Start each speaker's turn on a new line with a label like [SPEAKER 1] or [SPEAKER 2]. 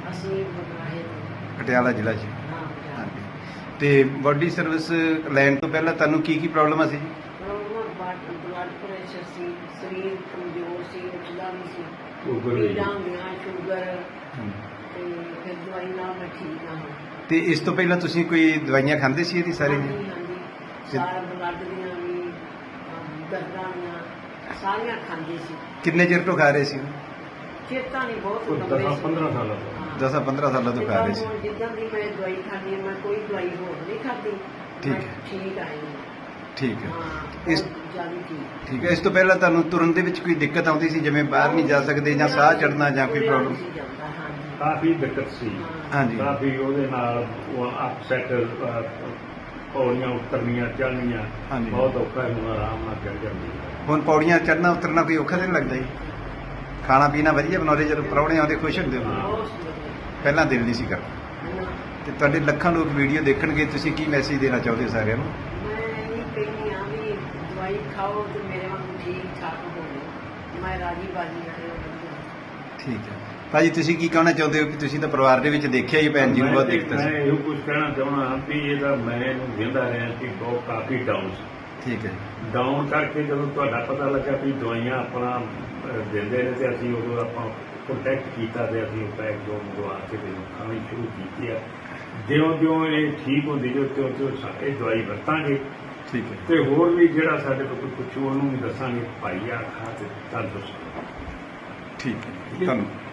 [SPEAKER 1] ਅਸੀਂ ਬੁਲਾਏ
[SPEAKER 2] ਪਟਿਆਲਾ ਜ਼ਿਲ੍ਹਾ 'ਚ।
[SPEAKER 1] ਹਾਂ
[SPEAKER 2] ਹਾਂਜੀ। ਤੇ ਬਾਡੀ ਸਰਵਿਸ ਲੈਣ ਤੋਂ ਪਹਿਲਾਂ ਤੁਹਾਨੂੰ ਕੀ ਪ੍ਰੋਬਲਮ ਸੀ ਜੀ?
[SPEAKER 1] ਬਲੱਡ ਪ੍ਰੈਸ਼ਰ ਸੀ, ਸਰੀਰ ਕਮਜ਼ੋਰ ਸੀ, ਉੱਠਦਾ ਨਹੀਂ ਸੀ,
[SPEAKER 3] ਸ਼ੂਗਰ ਵੀ।
[SPEAKER 1] ਪੀੜਾਂ ਹੁੰਦੀਆਂ, ਸ਼ੂਗਰ, ਤੇ ਫਿਰ ਦਵਾਈ ਨਾਲ ਮੈਂ ਠੀਕ ਹਾਂ।
[SPEAKER 2] ਤੇ ਇਸ ਤੋਂ ਪਹਿਲਾਂ ਤੁਸੀਂ ਕੋਈ ਦਵਾਈਆਂ ਖਾਂਦੇ ਸੀ ਇਹਦੀ ਸਾਰੀ?
[SPEAKER 1] ਹਾਂਜੀ ਹਾਂਜੀ, ਸਾਰਾ ਬਲੱਡ ਦੀਆਂ ਵੀ, ਦਰਦਾਂ ਦੀਆਂ ਸਾਰੀਆਂ ਖਾਂਦੀ ਸੀ।
[SPEAKER 2] ਕਿੰਨੇ ਚਿਰ ਤੋਂ ਖਾ ਰਹੇ ਸੀ?
[SPEAKER 1] ਚੇਤਾ ਨਹੀਂ, ਬਹੁਤ
[SPEAKER 3] ਕੋਈ
[SPEAKER 1] ਲੰਬੇ
[SPEAKER 3] 10-15 ਸਾਲਾਂ ਤੋਂ।
[SPEAKER 1] ਹਾਂ।
[SPEAKER 2] 10-15 ਸਾਲਾਂ ਤੋਂ ਖਾ ਰਹੇ ਸੀ।
[SPEAKER 1] ਹੁਣ ਜਿੱਦਾਂ ਦੀ ਮੈਂ ਦਵਾਈ ਖਾਂਦੀ ਹਾਂ, ਮੈਂ ਕੋਈ ਦਵਾਈ ਹੋਰ ਨਹੀਂ ਖਾਂਦੀ।
[SPEAKER 2] ਠੀਕ
[SPEAKER 1] ਮੈਂ
[SPEAKER 2] ਹੈ।
[SPEAKER 1] ਠੀਕ ਆਈ ਹਾਂ।
[SPEAKER 2] ਠੀਕ ਹੈ।
[SPEAKER 1] ਹਾਂ,
[SPEAKER 2] ਇਸ
[SPEAKER 1] ਬਹੁਤ ਜ਼ਿਆਦਾ ਠੀਕ।
[SPEAKER 2] ਠੀਕ ਹੈ। ਇਸ ਤੋਂ ਪਹਿਲਾਂ ਤੁਹਾਨੂੰ ਤੁਰਨ ਦੇ ਵਿੱਚ ਕੋਈ ਦਿੱਕਤ ਆਉਂਦੀ ਸੀ, ਜਿਵੇਂ ਬਾਹਰ ਨਹੀਂ ਜਾ ਸਕਦੇ ਜਾਂ ਸਾਹ ਚੜਨਾ ਜਾਂ ਕੋਈ ਪ੍ਰੋਬਲਮ?
[SPEAKER 1] ਹਾਂਜੀ
[SPEAKER 3] ਕਾਫੀ ਦਿੱਕਤ ਸੀ।
[SPEAKER 2] ਹਾਂਜੀ।
[SPEAKER 3] ਕਾਫੀ ਉਹਦੇ ਨਾਲ ਅਪਸੈਟ, ਪੌੜੀਆਂ ਉਤਰਨੀਆਂ ਚੜ੍ਹਨੀਆਂ
[SPEAKER 2] ਹਾਂਜੀ।
[SPEAKER 3] ਬਹੁਤ ਔਖਾ ਹੈ। ਹੁਣ ਆਰਾਮ ਨਾਲ ਚੜ੍ਹ ਜਾਂਦੀ ਹੈ।
[SPEAKER 2] ਹੁਣ ਪੌੜੀਆਂ ਚੜਨਾ ਉਤਰਨਾ ਕੋਈ ਔਖਾ ਨਹੀਂ ਲੱਗਦਾ ਜੀ? ਖਾਣਾ ਪੀਣਾ ਵਧੀਆ ਬਣਾਉਂਦੇ, ਜਦੋਂ ਪ੍ਰਾਹੁਣੇ ਆਉਂਦੇ ਖੁਸ਼ ਹੁੰਦੇ ਹੋ?
[SPEAKER 1] ਬਹੁਤ ਵਧੀਆ।
[SPEAKER 2] ਪਹਿਲਾਂ ਦਿਲ ਨਹੀਂ ਸੀ ਕਰਦਾ।
[SPEAKER 1] ਹਾਂ।
[SPEAKER 2] ਤੇ ਤੁਹਾਡੇ ਲੱਖਾਂ ਲੋਕ ਵੀਡੀਓ ਦੇਖਣਗੇ, ਤੁਸੀਂ ਕੀ ਮੈਸੇਜ ਦੇਣਾ ਚਾਹੁੰਦੇ ਹੋ ਸਾਰਿਆਂ ਨੂੰ?
[SPEAKER 1] ਮੈਂ ਇਹ ਕਹਿੰਦੀ ਹਾਂ ਵੀ ਦਵਾਈ ਖਾਓ ਤੇ ਮੇਰੇ ਵਾਂਗੂ ਠੀਕ ਠਾਕ ਹੋਵੇ। ਮੈਂ ਰਾਜੀ ਬਾਜੀ ਵਾਲੇ ਵਧੀਆ।
[SPEAKER 2] ਠੀਕ ਹੈ ਭਾਜੀ, ਤੁਸੀਂ ਕੀ ਕਹਿਣਾ ਚਾਹੁੰਦੇ ਹੋ ਕਿ ਤੁਸੀਂ ਤਾਂ ਪਰਿਵਾਰ ਦੇ ਵਿੱਚ ਦੇਖਿਆ ਹੀ ਭੈਣ ਜੀ ਨੂੰ ਬਹੁਤ ਦਿੱਕਤ
[SPEAKER 3] ਮੈਂ
[SPEAKER 2] ਸੀ?
[SPEAKER 3] ਇਹੋ ਕੁਝ ਕਹਿਣਾ ਚਾਹੁੰਦਾ ਹਾਂ ਵੀ ਇਹਦਾ ਮੈਂ ਇਹਨੂੰ ਕਹਿੰਦਾ ਰਿਹਾ ਕਿ ਬਹੁਤ ਕਾਫੀ ਡਾਊਨ ਸੀ।
[SPEAKER 2] ਠੀਕ ਹੈ।
[SPEAKER 3] ਡਾਊਨ ਕਰਕੇ ਜਦੋਂ ਤੁਹਾਡਾ ਪਤਾ ਲੱਗਾ ਵੀ ਦਵਾਈਆਂ ਆਪਣਾ ਦਿੰਦੇ ਨੇ ਤੇ ਅਸੀਂ ਉਦੋਂ ਆਪਾਂ ਕੰਟੈਕਟ ਕੀਤਾ ਤੇ ਅਸੀਂ ਉਹ ਪੈਕ ਜੋ ਮੰਗਵਾ ਕੇ ਤੇ ਖਾਣੀ ਸ਼ੁਰੂ ਕੀਤੀ ਆ। ਜਿਉਂ ਇਹ ਠੀਕ ਹੁੰਦੀ ਜੋ ਤਿਉਂ ਇਹ ਦਵਾਈ ਵਰਤਾਂਗੇ।
[SPEAKER 2] ਠੀਕ ਹੈ।
[SPEAKER 3] ਤੇ ਹੋਰ ਵੀ ਜਿਹੜਾ ਸਾਡੇ ਕੋਲ ਕੋਈ ਪੁੱਛੂ ਉਹਨੂੰ ਵੀ ਦੱਸਾਂਗੇ ਭਾਈ ਆ ਖਾ ਤੇ ਤੰਦਰੁਸਤ।
[SPEAKER 2] ਠੀਕ ਹੈ, ਧੰਨਵਾਦ।